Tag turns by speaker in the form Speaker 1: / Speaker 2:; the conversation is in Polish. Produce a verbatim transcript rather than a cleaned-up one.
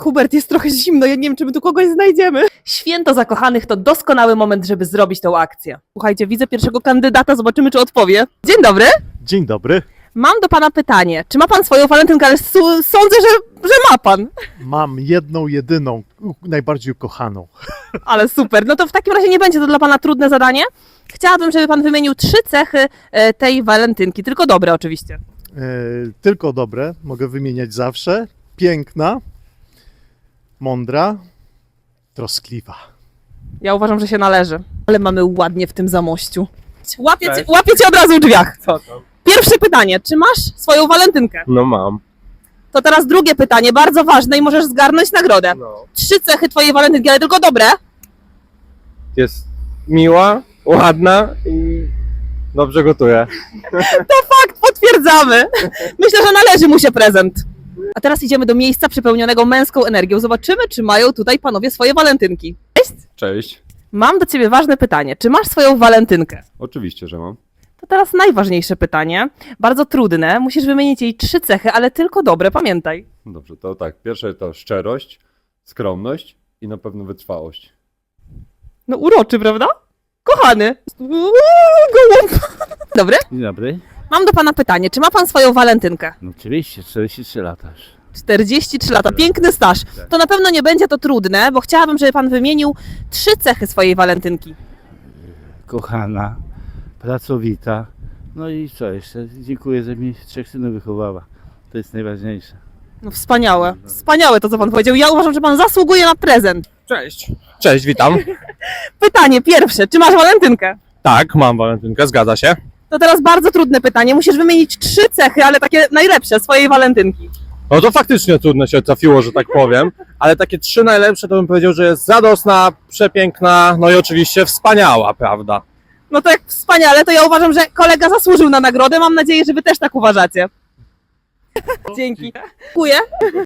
Speaker 1: Hubert, jest trochę zimno, ja nie wiem, czy my tu kogoś znajdziemy. Święto zakochanych to doskonały moment, żeby zrobić tą akcję. Słuchajcie, widzę pierwszego kandydata, zobaczymy, czy odpowie. Dzień dobry.
Speaker 2: Dzień dobry.
Speaker 1: Mam do pana pytanie. Czy ma pan swoją walentynkę? Ale su- sądzę, że, że ma pan.
Speaker 2: Mam jedną, jedyną, u- najbardziej ukochaną.
Speaker 1: Ale super. No to w takim razie nie będzie to dla pana trudne zadanie. Chciałabym, żeby pan wymienił trzy cechy e, tej walentynki, tylko dobre oczywiście.
Speaker 2: E, tylko dobre, mogę wymieniać zawsze. Piękna, mądra, troskliwa.
Speaker 1: Ja uważam, że się należy. Ale mamy ładnie w tym zamościu. Łapię cię,
Speaker 3: Cześć.
Speaker 1: łapię cię od razu w drzwiach.
Speaker 3: Co tam?
Speaker 1: Pierwsze pytanie. Czy masz swoją walentynkę?
Speaker 3: No mam.
Speaker 1: To teraz drugie pytanie, bardzo ważne i możesz zgarnąć nagrodę.
Speaker 3: No.
Speaker 1: Trzy cechy twojej walentynki, ale tylko dobre.
Speaker 3: Jest miła, ładna i dobrze gotuje.
Speaker 1: Fakt, potwierdzamy. Myślę, że należy mu się prezent. A teraz idziemy do miejsca przepełnionego męską energią. Zobaczymy, czy mają tutaj panowie swoje walentynki.
Speaker 4: Cześć.
Speaker 1: Mam do ciebie ważne pytanie. Czy masz swoją walentynkę?
Speaker 4: Oczywiście, że mam.
Speaker 1: To teraz najważniejsze pytanie. Bardzo trudne. Musisz wymienić jej trzy cechy, ale tylko dobre, pamiętaj.
Speaker 4: Dobrze, to tak. Pierwsze to szczerość, skromność i na pewno wytrwałość.
Speaker 1: No uroczy, prawda? Kochany. Uuu, gołąb. Dobry?
Speaker 5: Dzień dobry.
Speaker 1: Mam do pana pytanie. Czy ma pan swoją walentynkę?
Speaker 5: No oczywiście, czterdzieści trzy lata już.
Speaker 1: czterdzieści trzy lata, piękny staż. To na pewno nie będzie to trudne, bo chciałabym, żeby pan wymienił trzy cechy swojej walentynki.
Speaker 5: Kochana, pracowita. No i co jeszcze? Dziękuję, że mi trzech synów wychowała. To jest najważniejsze.
Speaker 1: No wspaniałe, wspaniałe to, co pan powiedział. Ja uważam, że pan zasługuje na prezent.
Speaker 3: Cześć. Cześć, witam.
Speaker 1: Pytanie pierwsze, czy masz walentynkę?
Speaker 3: Tak, mam walentynkę, zgadza się.
Speaker 1: To teraz bardzo trudne pytanie. Musisz wymienić trzy cechy, ale takie najlepsze swojej walentynki.
Speaker 3: No to faktycznie trudno się trafiło, że tak powiem, ale takie trzy najlepsze to bym powiedział, że jest radosna, przepiękna, no i oczywiście wspaniała, prawda?
Speaker 1: No to jak wspaniale, to ja uważam, że kolega zasłużył na nagrodę. Mam nadzieję, że wy też tak uważacie. Dzięki. Dziękuję.